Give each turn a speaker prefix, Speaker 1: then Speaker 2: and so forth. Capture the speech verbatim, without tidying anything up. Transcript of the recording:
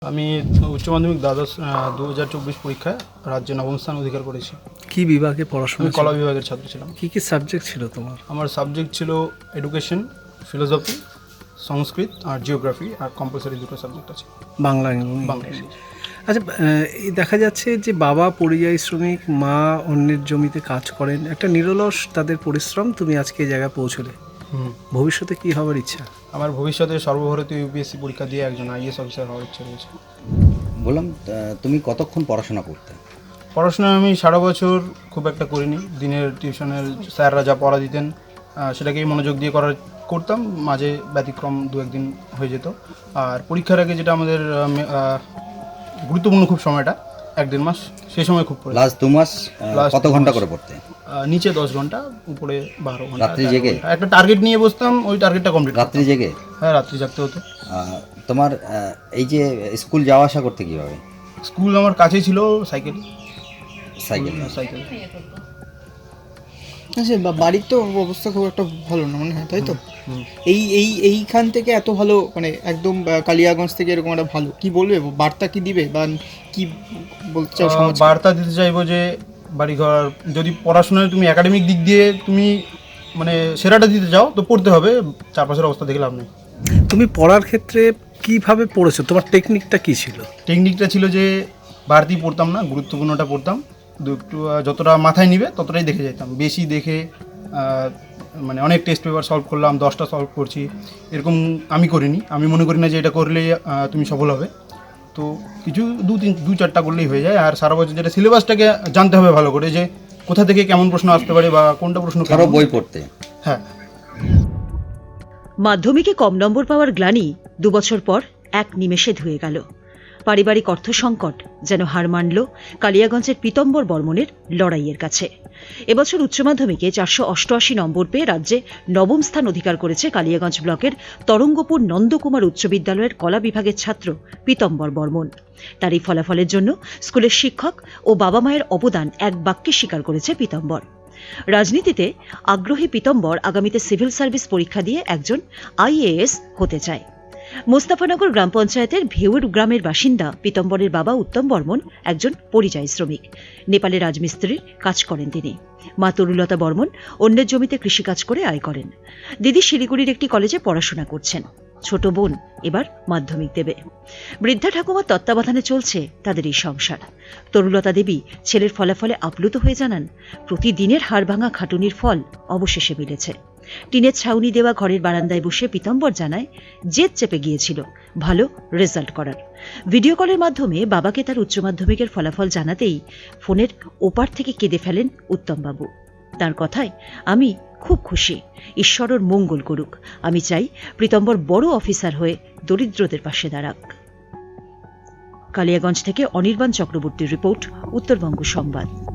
Speaker 1: আমি উচ্চ মাধ্যমিক দ্বাদশ দু হাজার চব্বিশ পরীক্ষায় রাজ্যে নবম স্থান অধিকার করেছি।
Speaker 2: কি বিভাগে পড়াশোনা?
Speaker 1: আমি কলা বিভাগের ছাত্র ছিলাম।
Speaker 2: কি কি সাবজেক্ট ছিল তোমার?
Speaker 1: আমার সাবজেক্ট ছিল এডুকেশন, ফিলোসফি, সংস্কৃত আর জিওগ্রাফি, আর কম্পালসারি দুটো সাবজেক্ট আছে,
Speaker 2: বাংলা এবং
Speaker 1: বাংলা।
Speaker 2: আচ্ছা, এই দেখা যাচ্ছে যে বাবা পরিযায়ী শ্রমিক, মা অন্যের জমিতে কাজ করেন, একটা নিরলস তাদের পরিশ্রম, তুমি আজকে এই জায়গায় পৌঁছলে।
Speaker 1: হুম
Speaker 2: ভবিষ্যতে কি হওয়ার ইচ্ছা?
Speaker 1: আমার ভবিষ্যতে সর্বভারতীয় ইউপিএসসি পরীক্ষা দিয়ে একজন আইএস অফিসার হওয়ার ইচ্ছা রয়েছে।
Speaker 3: বললাম, তুমি কতক্ষণ পড়াশোনা করতে?
Speaker 1: পড়াশোনা আমি সারা বছর খুব একটা করিনি। দিনের টিউশনের স্যাররা যা পড়া দিতেন সেটাকেই মনোযোগ দিয়ে করার করতাম, মাঝে ব্যতিক্রম দু একদিন হয়ে যেত। আর পরীক্ষার আগে যেটা আমাদের গুরুত্বপূর্ণ খুব সময়টা এক দেড় মাস, সেই সময় খুব পড়ে।
Speaker 3: লাস্ট দু মাস কত ঘন্টা করে পড়তে?
Speaker 1: নিচে দশ ঘন্টা, উপরে বারো ঘন্টা।
Speaker 3: রাত্রি জেগে?
Speaker 1: একটা টার্গেট নিয়ে বসতাম, ওই টার্গেটটা কমপ্লিট।
Speaker 3: রাত্রি জেগে?
Speaker 1: হ্যাঁ, রাত্রি জাগতে হতো।
Speaker 3: তোমার এই যে স্কুল যাওয়া আসা করতে কীভাবে?
Speaker 1: স্কুল আমার কাছেই ছিল, সাইকেল
Speaker 3: সাইকেল
Speaker 1: সাইকেল
Speaker 4: আচ্ছা, বাড়ির তো অবস্থা খুব একটা ভালো না মনে হয়, তাই তো? এই এই এইখান থেকে এত ভালো, মানে একদম কালিয়াগঞ্জ থেকে এরকম একটা ভালো, কি বলবে, বার্তা কি দিবে বা কি বলতে চাও?
Speaker 1: বার্তা দিতে চাইবো যে বাড়িঘর, যদি পড়াশোনায় তুমি একাডেমিক দিক দিয়ে তুমি মানে সেরাটা দিতে চাও তো পড়তে হবে, চারপাশের অবস্থা দেখে লাভ নেই।
Speaker 2: তুমি পড়ার ক্ষেত্রে কিভাবে পড়েছো? তোমার টেকনিকটা কি ছিল?
Speaker 1: টেকনিকটা ছিল যে বাড়তি পড়তাম না, গুরুত্বপূর্ণটা পড়তাম, একটু যতটা মাথায় নিবে ততটাই দেখে যেতাম। বেশি দেখে মানে অনেক টেস্ট পেপার সলভ করলাম, দশটা সলভ করছি, এরকম আমি করিনি। আমি মনে করি না যে এটা করলেই তুমি সফল হবে। তো কিছু দু তিন দু চারটা করলেই হয়ে যায়। আর সারা বছর যেটা সিলেবাসটাকে জানতে হবে ভালো করে, যে কোথা থেকে কেমন প্রশ্ন আসতে পারে বা কোনটা প্রশ্ন।
Speaker 3: আরো বই পড়তে?
Speaker 1: হ্যাঁ।
Speaker 5: মাধ্যমিকে কম নম্বর পাওয়ার গ্লানি দু বছর পর এক নিমেষে ধুয়ে গেল। পারিবারিক অর্থ সংকট যেন হার মানল কালিয়াগঞ্জের পীতম্বর বর্মনের লড়াইয়ের কাছে। এবছর উচ্চ মাধ্যমিকে চারশো অষ্টআশি নম্বর পেয়ে রাজ্যে নবম স্থান অধিকার করেছে কালিয়াগঞ্জ ব্লকের তরঙ্গপুর নন্দকুমার উচ্চ বিদ্যালয়ের কলা বিভাগের ছাত্র পীতম্বর বর্মন। তার এই ফলাফলের জন্য স্কুলের শিক্ষক ও বাবা মায়ের অবদান এক বাক্যে স্বীকার করেছে পীতম্বর। রাজনীতিতে আগ্রহী পীতম্বর আগামীতে সিভিল সার্ভিস পরীক্ষা দিয়ে একজন আইএএস হতে চায়। মোস্তাফানগর গ্রাম পঞ্চায়েতের ভেউর গ্রামের বাসিন্দা পীতম্বরের বাবা উত্তম বর্মন একজন পরিযায়ী শ্রমিক। নেপালে রাজমিস্ত্রির কাজ করেন তিনি। মা তরুলতা বর্মন অন্যের জমিতে কৃষিকাজ করে আয় করেন। দিদি শিলিগুড়ির একটি কলেজে পড়াশোনা করছেন। ছোট বোন এবার মাধ্যমিক দেবে। বৃদ্ধা ঠাকুমার তত্ত্বাবধানে চলছে তাদের এই সংসার। তরুলতা দেবী ছেলের ফলাফলে আপ্লুত হয়ে জানান, প্রতিদিনের হাড়ভাঙা খাটুনির ফল অবশেষে মিলেছে। টিনের ছাউনি দেওয়া ঘরের বারান্দায় বসে পীতম্বর জানায়, জেদ চেপে গিয়েছিল ভালো রেজাল্ট করার। ভিডিও কলের মাধ্যমে বাবাকে তার উচ্চ মাধ্যমিকের ফলাফল জানাতেই ফোনের ওপার থেকে কেঁদে ফেলেন উত্তমবাবু। তার কথায়, আমি খুব খুশি, ঈশ্বর ওর মঙ্গল করুক। আমি চাই পীতম্বর বড় অফিসার হয়ে দরিদ্রদের পাশে দাঁড়াক। কালিয়াগঞ্জ থেকে অনির্বাণ চক্রবর্তীর রিপোর্ট, উত্তরবঙ্গ সংবাদ।